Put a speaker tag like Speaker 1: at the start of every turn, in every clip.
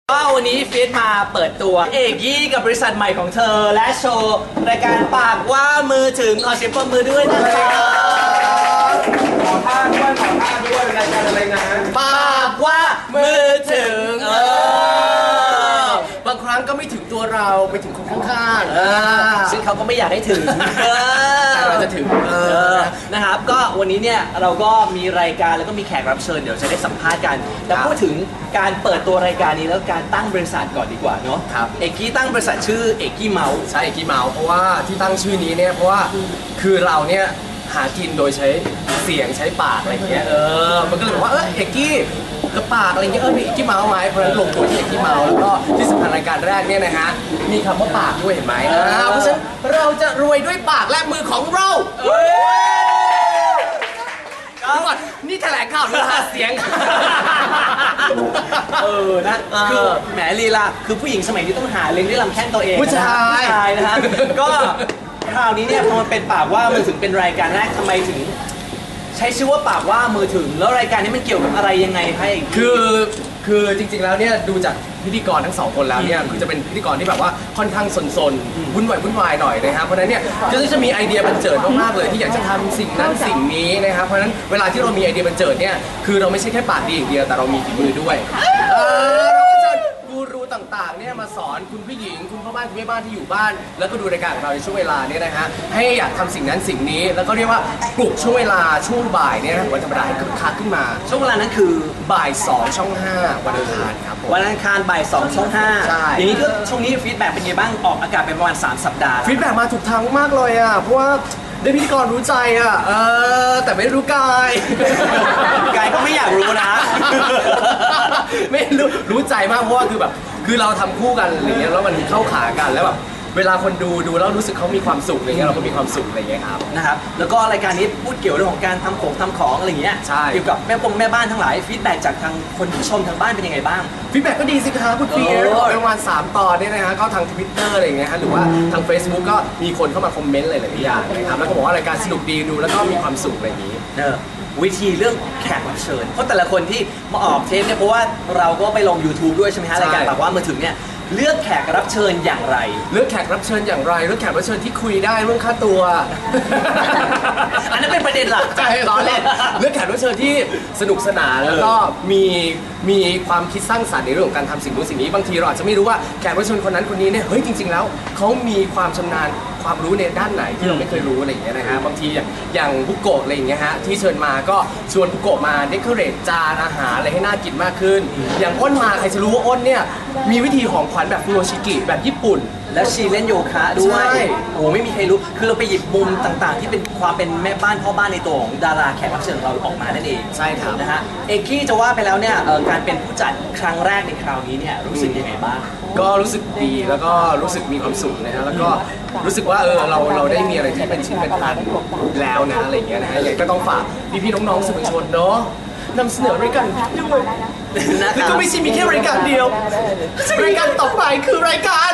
Speaker 1: ก็วันนี้ฟีดมาเปิดตัวเอกยี่กับบริษัทใหม่ของเธอและโชว์รายการปากว่ามือถึงขอเสียงปรบมือด้วยนะครับ
Speaker 2: ขอท่าด้วยรายการอะไรนะ
Speaker 1: ปากว่ามือถึง
Speaker 2: บางครั้งก็ไม่ถึงตัวเราไปถึงคนข้าง
Speaker 1: ๆซึ่งเขาก็ไม่อยากให้ถึง
Speaker 2: แต่เราจะถึง
Speaker 1: นะครับก็วันนี้เนี่ยเราก็มีรายการแล้วก็มีแขกรับเชิญเดี๋ยวจะได้สัมภาษณ์กันแต่พูดถึงการเปิดตัวรายการนี้แล้วการตั้งบริษัทก่อนดีกว่าเนาะ
Speaker 2: ครับ
Speaker 1: เอกกี้ตั้งบริษัทชื่อเอกกี้เมาส์
Speaker 2: ใช่เอกกี้เมาส์เพราะว่าที่ตั้งชื่อนี้เนี่ยเพราะว่าคือเราเนี่ยหากินโดยใช้เสียงใช้ปากอะไรเงี้ยมันก็เลยบอกว่าเอกกี้กับปากอะไรเงี้ยมีเอกกี้เมาส์ไหมเพราะฉะนั้นลงตัวที่เอกกี้เมาส์แล้วก็ที่สำคัญรายการแรกเนี่ยนะฮะมีคำว่าปากด้วยเห็นไหมเพราะฉะนั้นเราจะรวยด้วยปากและมือของเราก่อนนี่แถลงข่าวหรือหาเสียง
Speaker 1: นะคือแหมลีลาคือผู้หญิงสมัยนี้ต้องหาเลี้ยงด้วยลำแข้งตัวเอง
Speaker 2: ผู้ช
Speaker 1: ายนะฮะก็คราวนี้เนี่ยพอมันเป็นปากว่ามือถึงเป็นรายการแรกทำไมถึงใช้ชื่อว่าปากว่ามือถึงแล้วรายการนี้มันเกี่ยวกับอะไรยังไงให้
Speaker 2: คือจริงๆแล้วเนี่ยดูจากพิธีกรทั้งสองคนแล้วเนี่ยคือจะเป็นพิธีกรที่แบบว่าค่อนข้างซนๆวุ่นวายหน่อยนะครับเพราะฉะนั้นเนี่ยก็จะมีไอเดียบันเจิดมากๆเลยที่อยากจะทำสิ่งนั้นสิ่งนี้นะครับเพราะฉะนั้นเวลาที่เรามีไอเดียบันเจิดเนี่ยคือเราไม่ใช่แค่ปากดีอย่างเดียวแต่เรามีฝีมือด้วยเราก็จะกูรูต่างๆเนี่ยมาสอนคุณผู้หญิงคุณพ่อบ้านคุณแม่บ้านที่อยู่บ้านแล้วก็ดูรายการของเราในช่วงเวลาเนี่ยนะฮะให้อยากทำสิ่งนั้นสิ่งนี้แล้วก็เรียกว่าปลุกช่วงเวลาช่วงบ่ายเนี่ยวันธรรมดาให้คึกคักขึ้นมา
Speaker 1: ช่วงเวลานั้นคือ
Speaker 2: บ่าย2ช่อง5วันอังคารครับ
Speaker 1: วันอังคารบ่าย2ช่อง5
Speaker 2: ใช่
Speaker 1: อย่างนี้ก็ช่วงนี้ฟีดแบ็กเป็นไงบ้างออกอากาศเป็นประมาณ3สัปดาห์
Speaker 2: ฟีดแบ็กมาถูกทางมากเลยอ่ะเพราะว่าได้พิธีกรรู้ใจอ่ะแต่ไม่รู้กาย
Speaker 1: ก็ไม่อยากรู้นะ
Speaker 2: ไม่รู้ใจมากเพราะว่าคือเราทำคู่กันอะไรเงี้ยแล้วมันเข้าขากันแล้วแบบเวลาคนดูแล้วรู้สึกเขามีความสุขอะไรเงี้ยเราก็มีความสุขอะไรเงี้ยครับ
Speaker 1: นะครับแล้วก็รายการนี้พูดเกี่ยวเรื่องของการทำของอะไรเงี้ย
Speaker 2: ใช่
Speaker 1: เกี่ยวกับแม่บ้านทั้งหลายฟีดแบ็กจากทางคนที่ชมทางบ้านเป็นยังไงบ้าง
Speaker 2: ฟีดแบ็กก็ดีสิครับคุณเฟียร์ประมาณ3 ตอนเนี่ยนะฮะก็ทาง Twitter อะไรเงี้ยฮะหรือว่าทาง Facebook ก็มีคนเข้ามาคอมเมนต์หลายๆอย่างนะครับแล้วก็บอกว่ารายการสนุกดีดูแล้วก็มีความสุขอะไรอย่างนี้
Speaker 1: วิธีเรื่องแขกรับเชิญเพราะแต่ละคนที่มาออกเทปเนี่ยเพราะว่าเราก็ไปลง YouTube ด้วยใช่ไหมฮะรายการแบบว่ามือถึงเนี่ยเลือกแขกรับเชิญอย่างไร
Speaker 2: เลือกแขกรับเชิญอย่างไรเลือกแขกรับเชิญที่คุยได้เรื่องค่าตัว
Speaker 1: อันนั้นเป็นประเด็นหลัก
Speaker 2: ใช่ล้อเล่นเลือกแขกรับเชิญที่สนุกสนานแล้วก็มีความคิดสร้างสรรค์ในเรื่องของการทำสิ่งนู้นสิ่งนี้บางทีเราอาจจะไม่รู้ว่าแขกรับเชิญคนนั้นคนนี้เนี่ยเฮ้ยจริงๆแล้วเขามีความชำนาญความรู้ในด้านไหนที่เราไม่เคยรู้อะไรอย่างเงี้ยนะฮะบางทีอย่างบุโกะอะไรอย่างเงี้ยฮะที่เชิญมาก็ชวนบุโกะมาเดคอเรทจานอาหารอะไรให้น่ากินมากขึ้นอย่างอ้นมาใครจะรู้ว่าอ้นเนี่ยมีวิธีของขวัญแบบฟูโรชิกิแบบญี่ปุ่น
Speaker 1: แล้วชีเล่นโยคะด้วยโอ้ไม่มีใครรู้คือเราไปหยิบมุมต่างๆที่เป็นความเป็นแม่บ้านพ่อบ้านในตัวของดาราแขกรับเชิญของเราออกมานั่นเอง
Speaker 2: ใช่ครับ
Speaker 1: นะฮะเอกกี้จะว่าไปแล้วเนี่ยการเป็นผู้จัดครั้งแรกในคราวนี้เนี่ยรู้สึกยังไงบ้าง
Speaker 2: ก็รู้สึกดีแล้วก็รู้สึกมีความสุขนะฮะแล้วก็รู้สึกว่าเราได้มีอะไรที่เป็นชิ้นเป็นอันแล้วนะอะไรอย่างเงี้ยนะฮะยังก็ต้องฝากพี่ๆน้องๆสื่อมวลชนเนาะนำเสนอรายการด้วยแล้วก็ไม่ใช่มีแค่รายการเดียวรายการต่อไปคือรายการ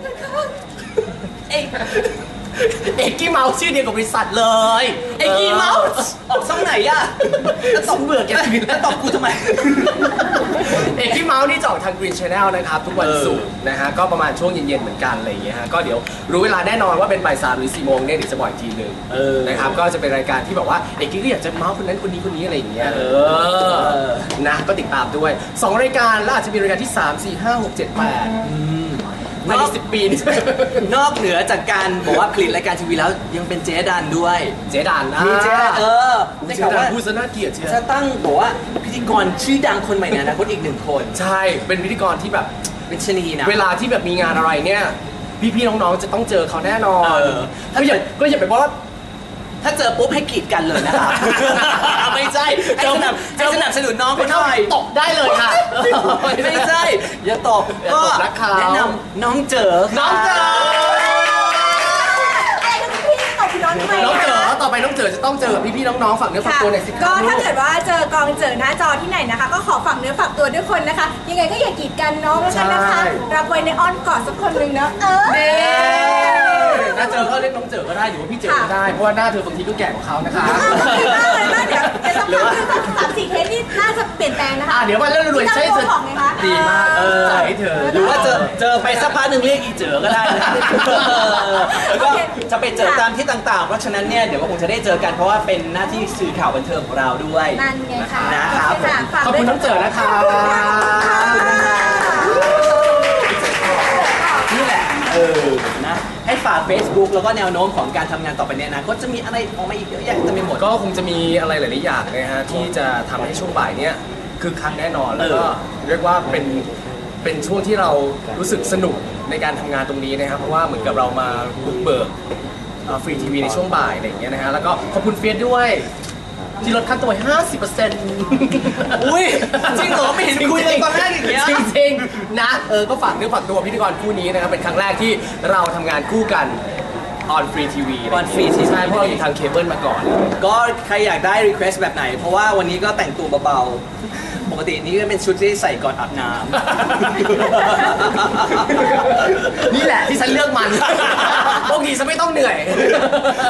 Speaker 2: เอกกี้เมาส์ชื่อเดียวกับบริษัทเลย
Speaker 1: เอกกี้เมาส์ออกช่องไหนอะแล้วตบเบื่อแกแล้วตบกูทำไม
Speaker 2: เอกกี้เมาส์นี่จะออกทาง Green Channel นะครับทุกวันศุกร์นะฮะก็ประมาณช่วงเย็นๆเหมือนกันอะไรอย่างเงี้ยฮะก็เดี๋ยวรู้เวลาแน่นอนว่าเป็นบ่าย 3 หรือ 4 โมงเนี่ยเดี๋ยวจะบอกอีกทีนึงนะครับก็จะเป็นรายการที่แบบว่าเอกกี้ก็อยากจะเมาส์คนนั้นคนนี้อะไรอย่างเงี้ยนะก็ติดตามด้วย2 รายการแล้วอาจจะมีรายการที่3 4 5 6 7 8ใน10 ปีนี่
Speaker 1: นอกเหนือจากการบอกว่าผลิตรายการทีวีแล้วยังเป็นเจ๊ดันด้วย
Speaker 2: เจ๊ดัน
Speaker 1: มีเจ๊ดัน
Speaker 2: ได้ข่าวว่าผู้สน่าเกียรติ
Speaker 1: จะตั้งบอกว่าพิธีกรชื่อดังคนใหม่ในอนาคตอีก1 คน
Speaker 2: ใช่เป็นพิธีกรที่แบบ
Speaker 1: เป็นชนีนะ
Speaker 2: เวลาที่แบบมีงานอะไรเนี่ยพี่ๆน้องๆจะต้องเจอเขาแน่นอนก็อย่าไปบอกว่า
Speaker 1: ถ้าเจอปุ๊บให้กีดกันเลยนะครับไม่ใช่ให้สนับสนุนน้องเขาหน่อย
Speaker 2: ตบได้เลยค่ะ
Speaker 1: ไม่ใช่อย่าตบก็แนะนำน้องเจอ
Speaker 2: น้องเจอน้องเจอต่อไปน้องเจอจะต้องเจอพี่ๆน้องๆฝากเนื้อฝากตัวหน่อยสิ
Speaker 3: ก็ถ้าเกิดว่าเจอกองเจอหน้าจอที่ไหนนะคะก็ขอฝากเนื้อฝากตัวด้วยคนนะคะยังไงก็อย่ากีดกันน้องแล้วกันนะคะรับไว้ในอ้อนกอดสักคนหนึ่งนะ
Speaker 2: ถ้าเจอก็เรียกน้องเจอก็ได้หรือว่าพี่เจอก็ได้เพราะว่าหน้าเธอบางทีก็แก่กว่าเขานะคะ
Speaker 3: ดีมากเลยมากเดี๋ยวสัก3-4 เทปนี่น่าจะเปลี่ยนแปลงนะคะ
Speaker 2: เดี๋ยวมาเรื่องรวยใช่
Speaker 3: เธอ
Speaker 2: ดีมากใส่เธอ
Speaker 1: ไปสักพักหนึ่งเรียกอีเจ๋อก็ได้นะแล้วก็จะไปเจอตามที่ต่างๆ เพราะฉะนั้นเนี่ยเดี๋ยวก็คงจะได้เจอกันเพราะว่าเป็นหน้าที่สื่อข่าวบันเทิงของเราด้วย
Speaker 3: นั่นไงค่ะ
Speaker 1: นะครับ
Speaker 3: โอเค่ะฝาก
Speaker 2: ขอบคุณน้องเจอนะคะ
Speaker 1: นี่แหละนะให้ฝาก Facebook แล้วก็แนวโน้มของการทำงานต่อไปในอนาคตจะมีอะไรออกมาอีกเยอะแยะจะไม่หมด
Speaker 2: ก็คงจะมีอะไรหลายๆอย่างนะฮะที่จะทำให้ช่วงบ่ายเนี้ยคือคักแน่นอนแล้วก็เรียกว่าเป็นช่วงที่เรารู้สึกสนุกในการทำงานตรงนี้นะครับเพราะว่าเหมือนกับเรามาบุกเบิกฟรีทีวีในช่วงบ่ายอะไรอย่างเงี้ยนะฮะแล้วก็ขอบคุณเฟียสด้วยที่ลดค่าตัว 50%
Speaker 1: อุ้ยจริงเหรอไม่เห็นคุยเลยตอนแรกอย่างเงี้ย
Speaker 2: จริงๆนะก็ฝากเนื้อฝากตัวพิธีกรคู่นี้นะครับเป็นครั้งแรกที่เราทำงานคู่กันออนฟรีทีวี
Speaker 1: On Free TV
Speaker 2: ใช่เพราะเราอยู่ทางเคเบิลมาก่อน
Speaker 1: ก็ใครอยากได้ request แบบไหน เพราะว่าวันนี้ก็แต่งตัวเบาๆ ปกตินี่ก็เป็นชุดที่ใส่ก่อนอาบน้ำ
Speaker 2: นี่แหละที่ฉันเลือกมัน พวกนี้ฉันไม่ต้องเหนื่อย